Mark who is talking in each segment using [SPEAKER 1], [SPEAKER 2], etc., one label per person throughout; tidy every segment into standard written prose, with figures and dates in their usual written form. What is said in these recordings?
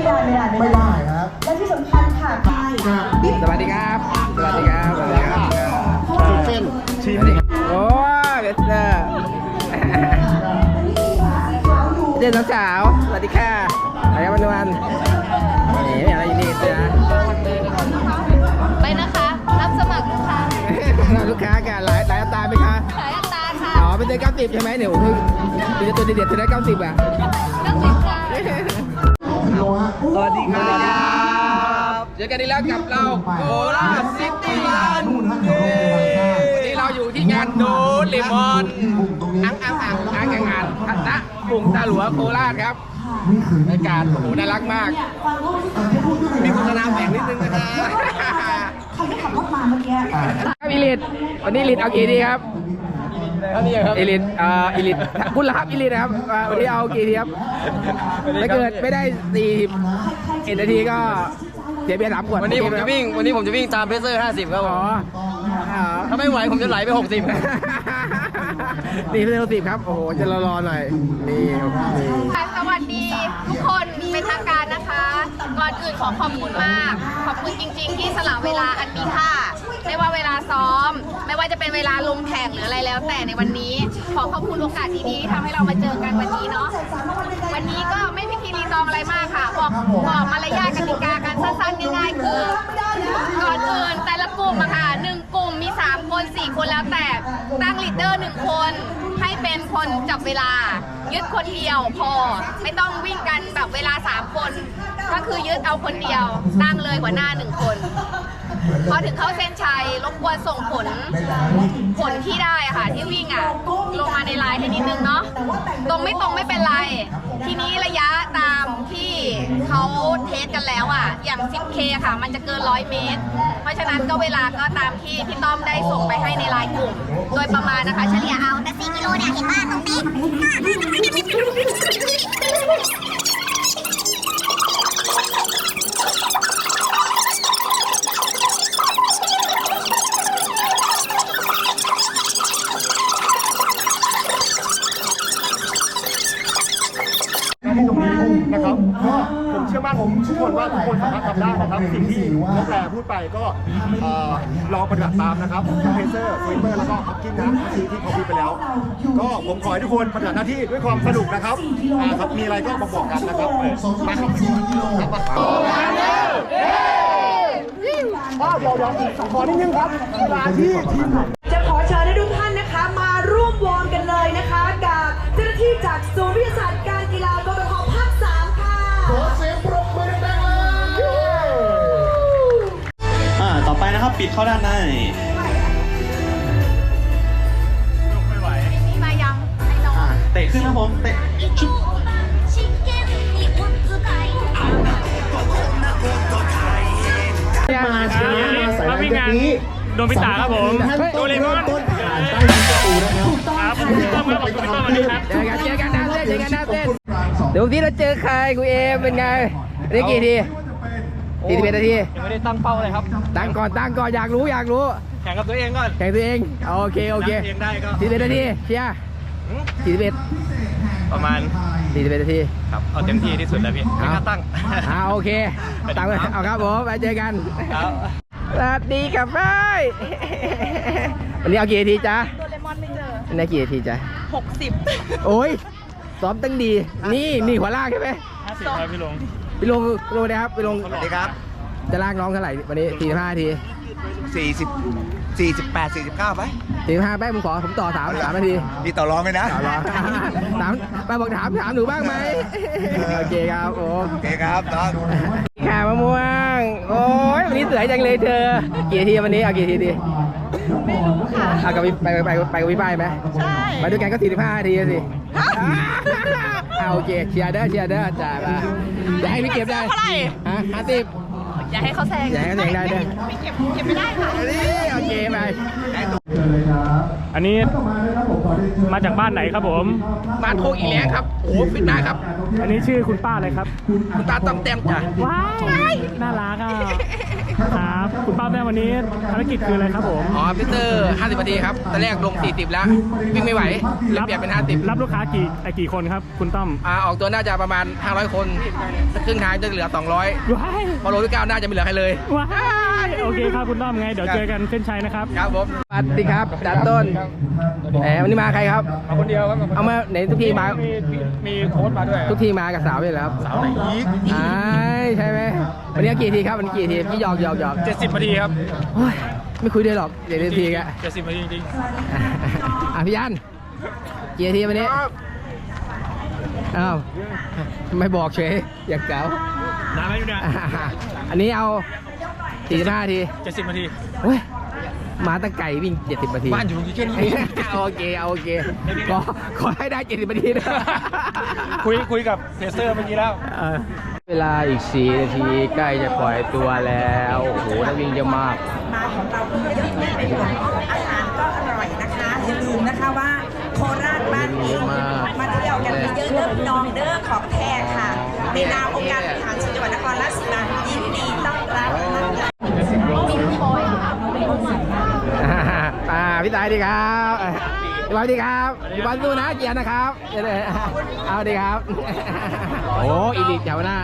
[SPEAKER 1] ไม่ได้ครับและที่สำคัญค่ะ
[SPEAKER 2] สวัสดีครับสวัสดีครับสวัสดีครับ
[SPEAKER 1] เส้นชิม
[SPEAKER 2] โอ้เบสเตอร์เด็กสาวสวัสดีค่ะอะไรกันวันนี่อะไรอยู่นี่จ้ะ
[SPEAKER 3] ไปนะคะรับสมัครลูกค้า
[SPEAKER 2] ลูกค้ากันหลายอัตราไหมคะ
[SPEAKER 3] ขายอัตราค่ะ
[SPEAKER 2] อ๋อเป็นเดือน90ใช่ไหมเดี๋ยวคือตัวเด็ดๆจะได้90อ่ะ
[SPEAKER 3] 90ค่ะ
[SPEAKER 2] สวัสดีครับเจอกันอีกแล้วกับเราโคราชซิตี้รันวันนี้เราอยู่ที่งานโดเลมอนอังนะกรุงตาหลวงโคราชครับบรรยากาศโอ้โหน่ารักมากมีโฆษณาแฝงนิดนึงนะครับ
[SPEAKER 1] ใครได้ขับรถมาเมื่อกี้
[SPEAKER 2] อีลิทวันนี้อีลิทเอากี่ดีครับอีลิทคุณละครับอีลิทนะครับวันนี้เอากี่ทีครับถ้าเกิดไม่ได้41 นาทีก็เสียเบียร์3 ขวด
[SPEAKER 4] วันนี้ผมจะวิ่งตามเพเซอร์50ครับผมถ้าไม่ไหวผมจะไหลไป60
[SPEAKER 2] นี่เพเซอร์10ครับโอ้โหจะรอหน่อยนี่
[SPEAKER 3] สวัสดีทุกคนเป็นทางการนะคะก่อนอื่นขอขอบคุณมากขอบคุณจริงๆที่สละเวลาอันมีค่าไม่ว่าเวลาซ้อมไม่ว่าจะเป็นเวลาลงแข่งหรืออะไรแล้วแต่ในวันนี้ขอขอบคุณโอกาสดีๆที่ทำให้เรามาเจอกันวันนี้เนาะวันนี้ก็ไม่พิธีรีตองอะไรมากค่ะบอกมารยาทกติกาการสั้นๆง่ายๆคือก่อนอื่นแต่ละกลุ่มอะค่ะ1 กลุ่มมี3 คน 4 คนแล้วแต่ตั้งลีดเดอร์1 คนให้เป็นคนจับเวลายึดคนเดียวพอไม่ต้องวิ่งกันแบบเวลา3 คนก็คือยึดเอาคนเดียวตั้งเลยหัวหน้า1 คนพอถึงเข้าเส้นชัยรบกวนส่งผลที่ได้ค่ะที่วิ่งลงมาในไลน์ให้นิดนึงเนาะตรงไม่เป็นไรทีนี้ระยะตามที่เขาเทสกันแล้วอย่าง 10K ค่ะมันจะเกิน100 เมตรเพราะฉะนั้นก็เวลาก็ตามที่พี่ต้อมได้ส่งไปให้ในไลน์กลุ่มโดยประมาณนะคะเฉลี่ยเอาแต่4 กิโลเนี่ยเห็นว่าตรงนี้
[SPEAKER 5] นะครับก็ผมเชื่อมั่นทุกคนว่าทุกคนสามารถทำได้นะครับสิ่งที่น้องแพรพูดไปก็ลองปฏิบัติตามนะครับเพเซอร์สวิปเปอร์แล้วก็ฮอกกิ้งนะที่เขาพูดไปแล้วก็ผมขอให้ทุกคนปฏิบัติหน้าที่ด้วยความสนุกนะครับครับมีอะไรก็มาบอกกันนะครับมาครับเดี๋ยวขอนิดนึงครับเวลาที่ทีม
[SPEAKER 1] จะขอเชิญให้ทุกท่านนะคะมาร่วมวอร์มกันเลยนะคะกับเจ้าหน้าที่จากศูนย์วิทยาศาสตร์การกีฬากรทภาค 3ค่ะขอเสียงปรบมือดังๆเลย
[SPEAKER 6] ต่อไปนะครับปิดเข้าด้านใน
[SPEAKER 3] ไม่ไหวนี่มายังให้น้อง
[SPEAKER 6] เตะขึ้นนะผมเตะชุบ
[SPEAKER 1] มาช้ามาสายแบบนี้
[SPEAKER 7] โดนพิตาครับผมโดเรมอน
[SPEAKER 1] ต้นผ่านใต้ประตูนะครับถูกต้อง
[SPEAKER 7] ครับพี่ต้อมครับผมพี่ต้อมวันนี้ครับ
[SPEAKER 2] เจอกันหน้าเต้นเดี๋ยวที่เราเจอใครคุณเอมเป็นไงได้กี่ที41 นาที
[SPEAKER 7] ยังไม่ได้ตั้งเป้าเลยครับ
[SPEAKER 2] ตั้งก่อนอยากรู้
[SPEAKER 7] แข่งกับตัวเองก่อน
[SPEAKER 2] แข่งตัวเองโอเค
[SPEAKER 7] เองได้ก็
[SPEAKER 2] 41 นาทีเชียร์41
[SPEAKER 7] ประมาณ
[SPEAKER 2] 41 นาที
[SPEAKER 7] ครับเอาเต็มที่ที่สุดแล้วพี่ไม่กล้าตั้ง
[SPEAKER 2] โอเคตั้งเอาครับผมไปเจอกันสวัสดีครับพี่วันนี้เอากี่นาทีจ๊ะ
[SPEAKER 3] โดเรมอนไม่เจอ
[SPEAKER 2] วันนี้กี่นาทีจ๊ะ
[SPEAKER 3] 60
[SPEAKER 2] โอ้ยซ้อมตั้งดีนี่หัวลากใช่ไหม
[SPEAKER 7] 50ครับพี่ลง
[SPEAKER 2] นะครับพี่ลง
[SPEAKER 4] สวัสดีครับ
[SPEAKER 2] จะลากน้องเท่าไหร่วันนี้45 นาที
[SPEAKER 4] 48 49ไป
[SPEAKER 2] 45ไปผมต่อ3 นาที
[SPEAKER 4] มีต่อรองไหมนะ
[SPEAKER 2] ต่อรองไปบอกถามหนูบ้างไหมโอเคครับโ
[SPEAKER 4] อเคครับน้อง
[SPEAKER 2] ข่าวมะม่วงโอ้ยวันนี้สวยจังเลยเธอกี่ทีวันนี้เอากี่ทีดี
[SPEAKER 3] ไม่รู้ค่ะ
[SPEAKER 2] เอากับไปกับพี่ป้ายไหม
[SPEAKER 3] ใช่
[SPEAKER 2] ไปด้วยกันก็45 นาทีสิโอเคเชียร์เด้อจ่ายมาอย่าให้พี่เก็บได้
[SPEAKER 3] เท่าไหร่
[SPEAKER 2] 50
[SPEAKER 3] อย่าให้เขาแซง
[SPEAKER 2] ได้เด้อ
[SPEAKER 3] ไม่เก็บไม่ได้ค่ะ
[SPEAKER 2] โอเคไป
[SPEAKER 7] อันนี้มาจากบ้านไหนครับผม
[SPEAKER 2] บ้านโคกอีแรงครับโอ้โหฟิตหน้าครับ
[SPEAKER 7] อันนี้ชื่อคุณป้าอะไรครับ
[SPEAKER 2] คุณตาต้อมแต้มจ้ะ
[SPEAKER 7] ว้ายน่ารักอ่ะครับคุณป้าแม่วันนี้ภารกิจคืออะไรครับผม
[SPEAKER 2] อ๋อพิเตอร์50 นาทีครับตอนแรกลง 40 แล้ว วิ่งไม่ไหวเลยเปลี่ยนเป็น 50
[SPEAKER 7] รับลูกค้ากี่คนครับ คุณต้อม
[SPEAKER 2] ออกตัวน่าจะประมาณ 500 คนครึ่งทางจะเหลือ 200
[SPEAKER 7] ว้าย
[SPEAKER 2] พอโลที่ 9 น่าจะไม่เหลือใครเลย
[SPEAKER 7] ว้ายโอเคครับคุณต้อมไงเดี๋ยวเจอกันเส้นชัยนะครับ
[SPEAKER 2] ครับผมสวัสดีครับดาต้นแหมวันนี้มาใครครับ
[SPEAKER 7] มาคนเดียวครับ
[SPEAKER 2] เอามาไหนทุกทีมา
[SPEAKER 7] มีโค้ชมาด้วย
[SPEAKER 2] ทุกทีมากับสาวเลยแล้วสาวไหนอีกใช่ไหมวันนี้กี่ทีครับวันนี้กี่ทีพี่หยอก
[SPEAKER 7] 70 นาทีครับ
[SPEAKER 2] โอ้ยไม่คุยด้วยหรอกเดี๋ยวทีกะ
[SPEAKER 7] 70 นาทีจริง
[SPEAKER 2] พี่ยันกี่นาทีวันนี้อ้าวไม่บอกเฉยอยากเก๋า
[SPEAKER 7] ๆนานไหมอยู่เนี่ย
[SPEAKER 2] อันนี้เอา45 นาที
[SPEAKER 7] 70 นาที
[SPEAKER 2] เฮ้ยมาตั้งไก่วิ่ง70 นาที
[SPEAKER 7] บ้านอยู่แค่นี้
[SPEAKER 2] โอเคขอให้ได้70 นาทีนะ
[SPEAKER 7] คุยกับเพเซอร์เมื่อกี้แล้ว
[SPEAKER 2] เวลาอีก4 นาทีใกล้จะปล่อยตัวแล้วโอ้โหนักวิ่งเยอะมาก
[SPEAKER 1] มาของเราเยอะไม่เป็นอาหารก็อร่อยนะคะอย่าลืมนะคะว่าโคราชบ้านเองมาเที่ยวกันเยอะๆเด้อพี่น้องเด้อของแท้ค่ะ ในนามองค์การบริหารส่วนจังหวัดนครราชสีมายินดีต้อนรับนะคะ
[SPEAKER 2] พี่ตายดีครับพี่บอลดีครับพี่บอลสู้นะเกียร์นะครับเอาดีครับโอ้อีลิทเจ้าหน้า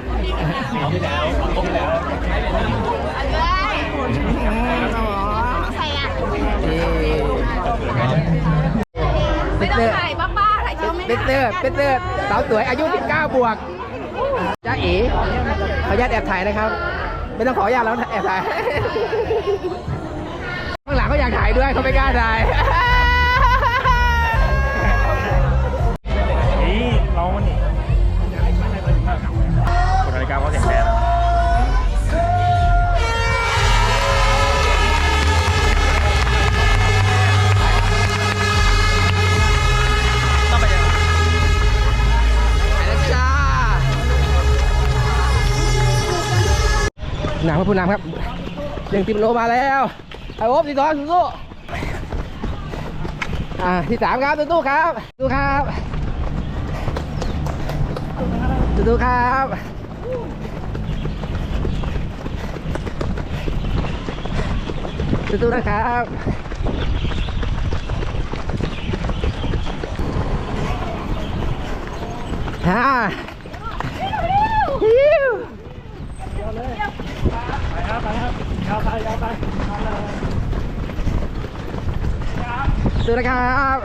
[SPEAKER 3] ไม่ต้องถ่ายบ้าๆถ่ายเชียวไม่
[SPEAKER 2] เป็นเตอร์สาวสวยอายุ19 บวกจ้าเอ๋ขออนุญาตแอบถ่ายนะครับไม่ต้องขออนุญาตแล้วแอบถ่ายข้างหลังเขาอยากถ่ายด้วยเขาไม่กล้าถ่าย
[SPEAKER 7] นี่เราวันนี้คนนาฬิกาเขาแข็งแรงต้องไปยังไง
[SPEAKER 2] ไปแล้วจ้าหนังพระพุทธนามครับ1 โลมาแล้วไอ้โอ๊บที่2สู้ที่ 3ครับสู้ครับสู้ครับสู้ครับสู้นะครับ
[SPEAKER 7] ไปครับยาวไป
[SPEAKER 2] สู้นะครับ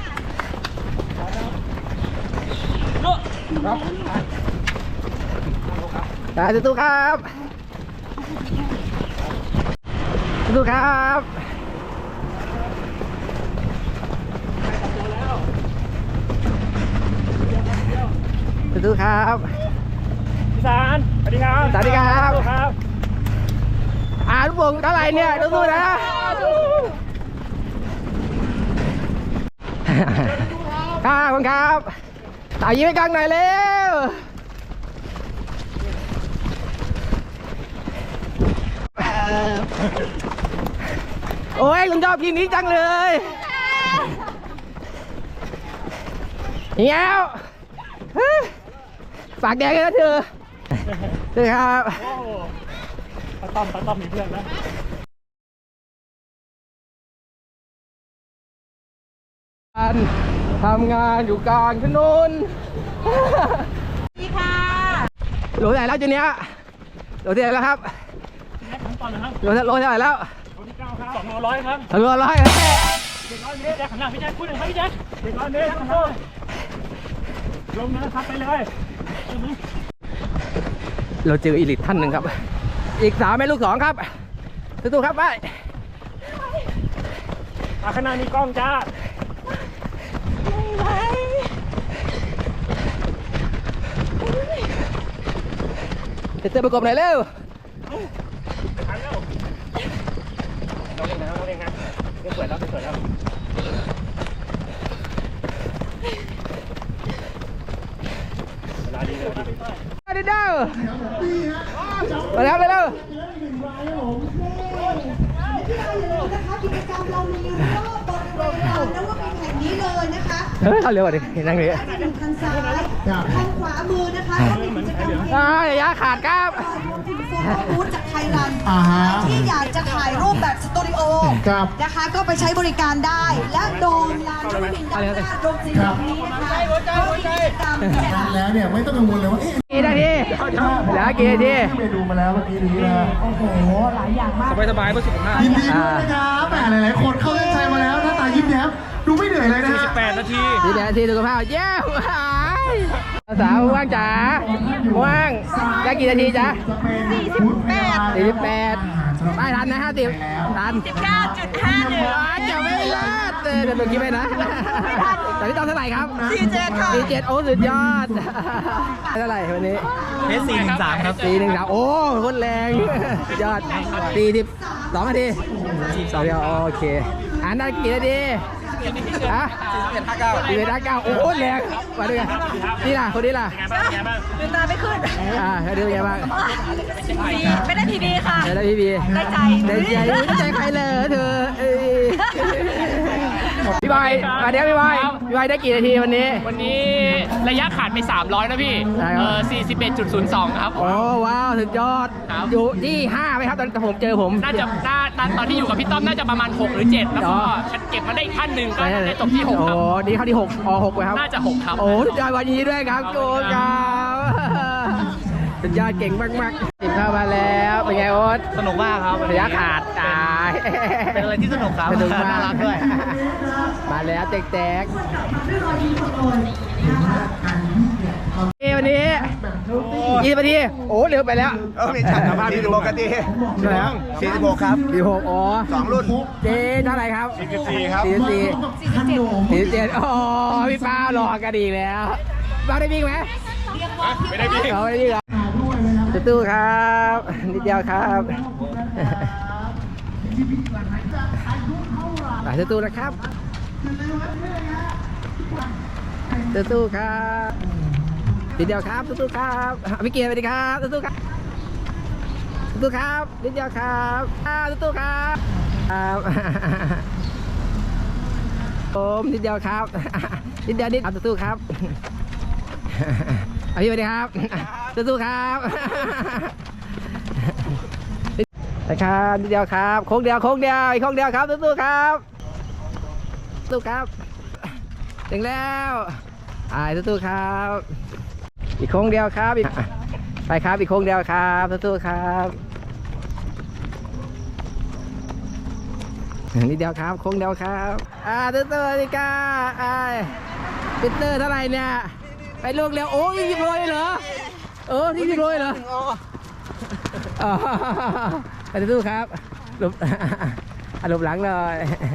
[SPEAKER 2] สู้ครับสู้ครับสู้ครับ
[SPEAKER 7] พี่สารสวัสดีครับ
[SPEAKER 2] สวัสดีครับ
[SPEAKER 7] ครับ
[SPEAKER 2] ลูกโป่งเท่าไหร่เนี่ยสู้ๆนะขอบคุณครับเอายิ้มให้กล้องหน่อยเร็วโอ้ยลุงชอบทีมนี้จังเลยเหี้ยวฝากแดงเลยนะเธอครับ
[SPEAKER 7] ป้าต้อมมีเพื่อนแล้ว
[SPEAKER 2] ทำงานอยู่กลางถนนดีค่ะโหลเท่าไหร่แล้วจุดเนี้ยโหลเท่าไหร่แล้วครับโหลเท่าไหร่แล้ว
[SPEAKER 7] ที่9ครับ200ครับ
[SPEAKER 2] 200
[SPEAKER 7] เด็กน้อยพี่แจ๊คหันหน้าพี่แจ๊คพูดหน่อยครับพี่แจ๊คเด็กน้อยเด็กน้อยลงนะครับไปเลย
[SPEAKER 2] เราเจออีลิทท่านหนึ่งครับอีก3 แม่ลูก 2ครับสู้ๆครับไป
[SPEAKER 7] ข้างหน้ามีกล้องจ้า
[SPEAKER 2] เจอประกบหน่อยเร็ว
[SPEAKER 7] ทันแล้วเราเล่นนะเดี๋ยวสวยแล้วเวลาดีเลย
[SPEAKER 2] มาดิเด้อมาแล้ว
[SPEAKER 8] ที่เราอย่าลืมนะคะกิจกรรมเรามีรอบบริเวณลานนวมินทร์แห่งนี้เลยนะคะ
[SPEAKER 4] เฮ้ยเอาเร็วกว่าดินั่งเลย
[SPEAKER 8] ทางซ้ายทางขวามือนะคะก็มีกิจกรรม
[SPEAKER 4] ระยะขาดครับ
[SPEAKER 8] คุณโฟโต้บูธจากไทยรันที่อยากจะถ่ายรูปแบบสตูดิโอนะคะก็ไปใช้บริการได้ และโดมลานนวมินทร์ด้านหน้าโดมสีเหลืองนี้นะคะก็มีกิจกรรมเนี่ย
[SPEAKER 5] แล้วเนี่ยไม่ต้องกังวลเลยว่า
[SPEAKER 4] กี่นาทีแล้วกี่นาที
[SPEAKER 5] ไปดูมาแล้วเมื่อกี้นี้นะ
[SPEAKER 8] โอ้โหหลายอย่างมาก
[SPEAKER 7] สบายๆเพื่อสุขภาพ
[SPEAKER 5] ยินดีด้วยนะครับแหมหลายๆคนเข้าเส้นชัยมาแล้วหน้าตายิ้มแย้มดูไม่เหนื่อยเลยนะ
[SPEAKER 7] 48 นาที
[SPEAKER 4] ทีนาทีสุขภาพเย้สาวว่างจ๋าว่างได้กี่นาทีจ๊ะ48ได้ทันนะ50ทัน
[SPEAKER 1] 19.51
[SPEAKER 4] จะไม่รอดเดี๋ยวคิดไปนะแต่พี่ต้องเท่าไหร่ครับ
[SPEAKER 1] 47 ค่ะ
[SPEAKER 4] 47โอ้สุดยอดเท่าไหร่วันนี้
[SPEAKER 7] เพชร413 ครับ
[SPEAKER 4] 413โอ้คนแรงสุดยอด42นาที2เดียวโอเคได้กี่นาทีอ่ะ41.59โอ้โหแรงมาด้วยกันนี่ล่ะคนนี้ล่ะ
[SPEAKER 7] ไงบ้าง
[SPEAKER 1] ลืมตาไม่ขึ้น
[SPEAKER 4] เขาดูยังไงบ้าง
[SPEAKER 1] ไม่ได้พีบีค่ะ
[SPEAKER 4] ได้พี่บี
[SPEAKER 1] ได้ใจ
[SPEAKER 4] ได้ใจใครเลยเธอพี่บอยมาเดี๋ยวพี่บอยได้กี่นาทีวันนี้
[SPEAKER 7] วันนี้ระยะขาดไป 300 นะพี่ 41.02 ครับ
[SPEAKER 4] โอ้ว้าวสุดยอด
[SPEAKER 7] ครับ
[SPEAKER 4] อยู่ที่5ไหมครับตอนผมเจอผม
[SPEAKER 7] น่าจะตอนที่อยู่กับพี่ต้อมน่าจะประมาณ 6 หรือ 7 แล้วก็เก็บมาได้อีกขั้นหนึ่งก็ได้จบที่ 6 ครับ
[SPEAKER 4] โอ้นี่เข้าที่66ไปครับ
[SPEAKER 7] น่าจะ 6 ครับ
[SPEAKER 4] โอ้สุดยอดวันนี้ด้วยครับโกครับสุดยอดเก่งมากๆติดเข้ามาแล้วเป็นไงโอ๊ต
[SPEAKER 6] สนุกมากครับ
[SPEAKER 4] ระยะขาดตาย
[SPEAKER 6] เป็นอะไรที่สนุกครับ
[SPEAKER 4] สนุกมาก
[SPEAKER 6] น่ารักด้วย
[SPEAKER 4] มาแล้วแตกวันนี้20 นาทีโอ้เร็วไปแล้ว
[SPEAKER 5] มีฉันสภาพที่ปกติ
[SPEAKER 4] แล้ว
[SPEAKER 5] 46ครับ
[SPEAKER 4] 46อ๋อ
[SPEAKER 5] 2 รุ่น
[SPEAKER 4] เจ๊เท่าไหร่ครับ
[SPEAKER 5] 44ครับ
[SPEAKER 4] 47อ๋อพี่ป้าหลอกกันอีกแล้วป้าได้วิ่งไหม
[SPEAKER 7] ไม่ได้พี่
[SPEAKER 4] เราไม่ได้วิ่งเหรอตู้ครับนิดเดียวครับตู้นะครับตู้ครับนิดเดียวครับตู้ครับพี่เกียร์สวัสดีครับตู้ครับตู้ครับนิดเดียวครับตู้ครับผมนิดเดียวครับนิดเดียวนิดตู้ครับพี่สวัสดีครับตู้ครับนะครับนิดเดียวครับโค้งเดียวอีกโค้งเดียวครับตู้ครับตู้ครับถึงแล้วตู้ครับอีกโค้งเดียวครับไปครับอีกโค้งเดียวครับตู้ครับนิดเดียวครับโค้งเดียวครับตู้นี่ก้าปิเตอร์เท่าไหร่เนี่ยไปลูกเร็วโอ้ย20 โลเลยเหรอ20 โลเลยเหรอไปตู้ครับหลบหลบหลังเลย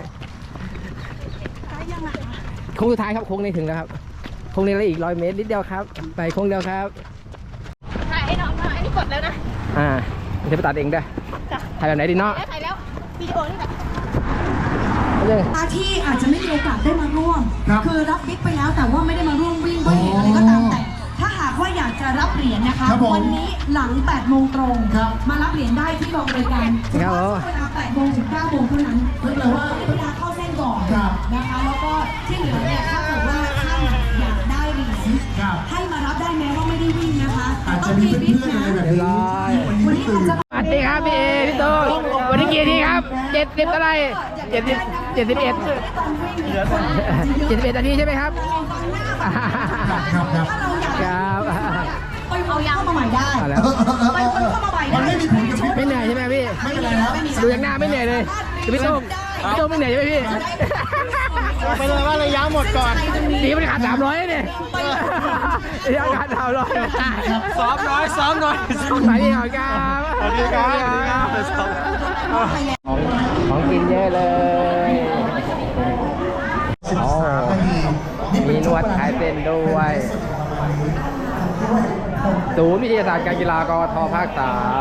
[SPEAKER 4] โค้งสุดท้ายครับโค้งนี้ถึงแล้วครับโค้งนี้แล้วอีก100 เมตรนิดเดียวครับไปโค้งเดียวครับ
[SPEAKER 3] ถ่ายให้น้องหน่อยอันนี้กดแล้วนะ
[SPEAKER 4] มันจะไปตัดเองได้ถ่ายแบบไหนดีเนาะ
[SPEAKER 3] ถ่ายแล้ววิดีโอนี่แหละ
[SPEAKER 8] ที่อาจจะไม่มีโอกาสได้มาร่วม คือรับบิ๊กไปแล้วแต่ว่าไม่ได้มาร่วมวิ่งด้วยเหตุอะไรก็ตามแต่ ถ้าหากว่าอยากจะรับเหรียญนะคะ วันนี้หลัง 8 โมงตรง มารับเหรียญได้ที่กองบริการเฉพาะเวลา 8 โมงถึง 9 โมงเท่านั้นเพื่อว่าเวลาเข้าเส้นก่อนนะคะ แล้วก็ที่เหลือเนี่ยถ้าเกิดว่าท่านอยากได้เหรียญให้มารับได้แม้ว่าไม่ได้วิ่งนะคะต้องมีบิ๊กนะ
[SPEAKER 4] เรียบร้อย
[SPEAKER 8] วันนี้อาจจะ
[SPEAKER 4] สวัสดีครับพี่เอพี่โตวันนี้กี่นาทีครับ70เท่าไหร่71นาทีใช่ไหมครับครับ
[SPEAKER 8] ไปเอายางเข้ามาใหม่ได้
[SPEAKER 4] แล้ว
[SPEAKER 8] ไปวนเข้ามาใหม่ได้
[SPEAKER 4] ไม่เหนื่อยใช่ไหมพี่ไม่เป็นไรครับดูอย่างหน้าไม่เหนื่อยเลยพี่โต้ไม่เหนื่อยใช่ไหมพี่
[SPEAKER 5] ไปเลยว่าระยะหมดก่อน
[SPEAKER 4] ดีมันขาด300เนี่ยระยะขาด300
[SPEAKER 6] ซ้อมน้อย
[SPEAKER 4] สวัสดีครับ
[SPEAKER 5] สวัสดีครับ
[SPEAKER 4] ของกินเยอะเลยมีนวดขายเส้นด้วยศูนย์วิทยาศาสตร์การกีฬากทภาค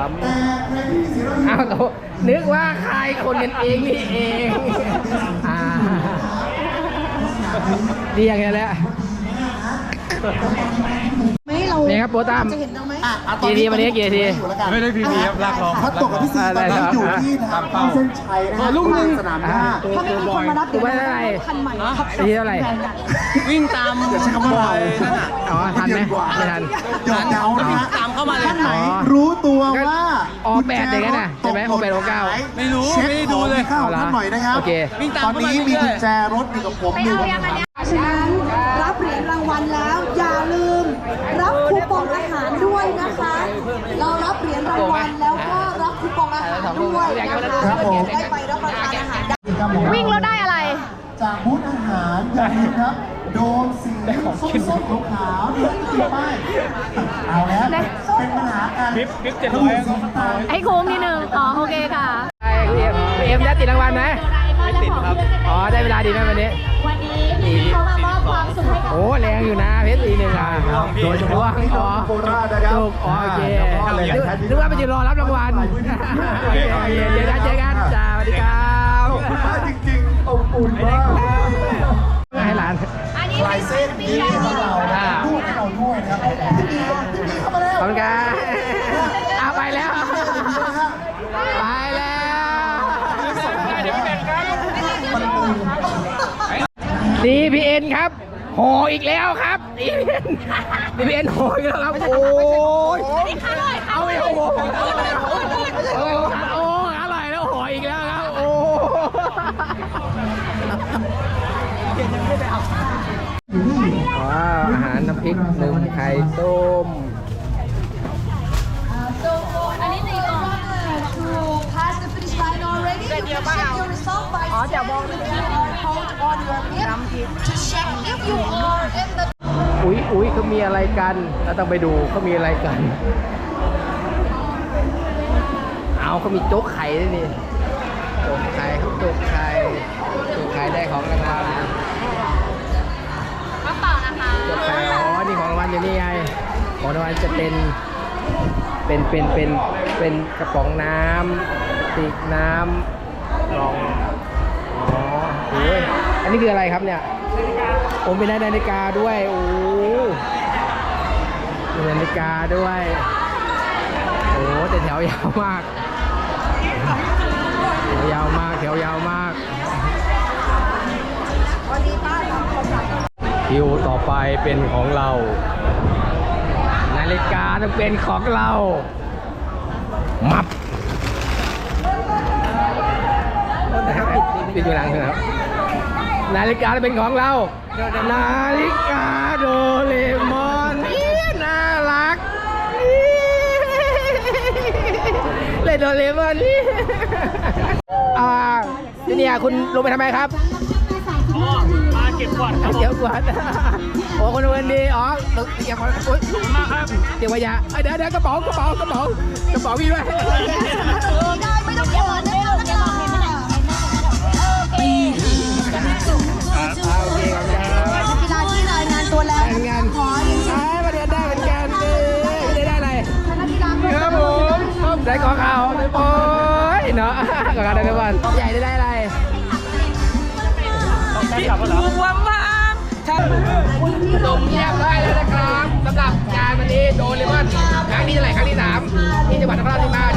[SPEAKER 4] 3อ้าวนึกว่าใครคนกันเองนี่เองดีอย่างเงี้ยแหละ
[SPEAKER 8] ไม่เรา
[SPEAKER 4] นี่ครับโปรตาม
[SPEAKER 8] จะเห็นเราไหม
[SPEAKER 4] กี่ทีวันนี้กี่ที
[SPEAKER 6] ไม่ได้พีพีครับลากลอง
[SPEAKER 9] พัดตกกับพี่ซีตอนนี้อยู่ที่ทางเข้าเส้นชัยนะฮะ
[SPEAKER 4] ลูกหนึ่ง
[SPEAKER 9] สนามหญ้า
[SPEAKER 8] ถ้าไม่มีคนมารับ
[SPEAKER 4] ตัวไม่ได้
[SPEAKER 8] คันใหม่ครับ
[SPEAKER 4] ทีเท่าไหร่
[SPEAKER 6] วิ่งตาม
[SPEAKER 9] อย่าใช้คำว่าเรา
[SPEAKER 4] อ๋อทันไหมไม่ทัน
[SPEAKER 9] หยอกเย้านะฮะ
[SPEAKER 6] ตามเข้ามาเลย
[SPEAKER 9] ท่านไหนรู้ตัวว่า
[SPEAKER 4] ออกแบบอย่างนั้นน่ะใช่ไหมออกแบบออกเก้า
[SPEAKER 6] ไม่รู้
[SPEAKER 9] เช็ค
[SPEAKER 6] ไม่ได้ดูเลย
[SPEAKER 9] ของท่านหน่อยนะครับ
[SPEAKER 4] โอเค
[SPEAKER 6] วิ่งตาม
[SPEAKER 9] ตอน
[SPEAKER 6] เข้ามา
[SPEAKER 9] นี้
[SPEAKER 6] เรื่อยๆ
[SPEAKER 9] มีกุญแจรถอยู่กับผมหนึ่ง
[SPEAKER 8] ฉะนั้นรับเหรียญรางวัลแล้วอย่าลืม รับคูปองอาหารด้วยนะคะ เรารับเหรียญรางวัลแล้วก็รับคูปองอาหารด้วยนะคะได้ไปรับประทานอาหารได้
[SPEAKER 3] วิ่งแล้วได้อะไร
[SPEAKER 9] จากบูธอาหารอย่าลืมครับ โดมสีส้มๆขาวๆนี่คือป้ายเอาแล้วเป็นปัญหาการ
[SPEAKER 7] คลิป700
[SPEAKER 9] สีตาล
[SPEAKER 3] ให้คุ้มนิดนึง อ๋อ โอเคค่ะ
[SPEAKER 4] เอ็มได้ติดรางวัลไหมไม่ติดครับ อ๋อ ได้เวลาดีไหมวันนี้
[SPEAKER 3] วันนี้พี่เขามามอบความสุขให้กับ
[SPEAKER 4] โอ้แรงอยู่นะเพชรอีกหนึ่งอ่ะ
[SPEAKER 9] โดยเฉพาะพี่น้องโคราชนะครับ
[SPEAKER 4] ถูกอ๋อโอเคนึกว่าไปยืนรอรับรางวัลโอเคโอเคเจอกันจ้าสวัสดีครับ
[SPEAKER 9] จริงๆอบอุ่นมาก
[SPEAKER 4] ให้หลาน
[SPEAKER 3] อันนี้
[SPEAKER 9] ลายเส้นนี้ให้เราลูกให้เราด้วยนะครับพี่ดีเข้ามาแล้ว
[SPEAKER 4] ขอบคุณครับเอาไปแล้ว ไปแล้วดีพีเอ็นครับโหอีกแล้วครับดีพีเอ็นโหอีกแล้วครับโอ้ยเอาไปโหโอ้อร่อยแล้วโหอีกแล้วครับโอ้ว้าวอาหารน้ำพริกหนึ่งไข่ต้ม
[SPEAKER 8] อันนี้ในกล่อง to pass the finish line already you can check your result by scanning the QR code on your lip to check if you are in the
[SPEAKER 4] อุ๊ยเขามีอะไรกันเราต้องไปดูเขามีอะไรกัน เอาเขามีโจ๊กไข่ด้วยนี่โจ๊กไข่ครับโจ๊กไข่ได้ของรางวัล
[SPEAKER 3] กระเป๋านะคะ
[SPEAKER 4] โจ๊กไข่อ๋อนี่ของรางวัลอยู่นี่ไงของรางวัลจะเป็นกระป๋องน้ำติกน้ำกล่องอ๋อโอ้ยอันนี้คืออะไรครับเนี่ยผมเป็นนาฬิกาด้วยโอ้มีนาฬิกาด้วยโอ้แต่แถวยาวมากแถวยาวมากคิวต่อไปเป็นของเรานาฬิกาต้องเป็นของเรามับนะครับปิดอยู่หลังนะครับนาฬิกาเป็นของเรานาฬิกาโดเรมอนน่ารักเล่นโดเรมอนเนี่ยคุณลงไปทำไมครับ
[SPEAKER 7] มาเก็บก่อนครับ
[SPEAKER 4] เดี๋ยวก่อนโอ้คนเงินดีอ๋อเก็บก่อนโอ๊ย
[SPEAKER 7] มากครับ
[SPEAKER 4] เดี๋ยวอย่าเดี๋ยวกระเป๋ากระเป๋าพี่ด้วย
[SPEAKER 8] ไม่ต้องเก็บเงินนะคะปี
[SPEAKER 4] โอเคครับ
[SPEAKER 8] กีฬาที่รายงานตัวแล้ว
[SPEAKER 4] งาน
[SPEAKER 8] ขอเรียนเชิญ
[SPEAKER 4] มาเรียนได้เหมือนกันไม่ได้อะไร
[SPEAKER 8] คณะกีฬาเพื่อ
[SPEAKER 4] ครับผมได้ของเขาโอ้ยเนาะของเขาได้ทุกวันใหญ่ได้อะไร
[SPEAKER 7] พี่ขับรถเหรอ
[SPEAKER 4] จบเรียบร้อยแล้วนะครับสำหรับงานวันนี้โดเรมอนครั้งที่เท่าไหร่ครั้งที่ 3ที่จังหวัดนครราชสีมา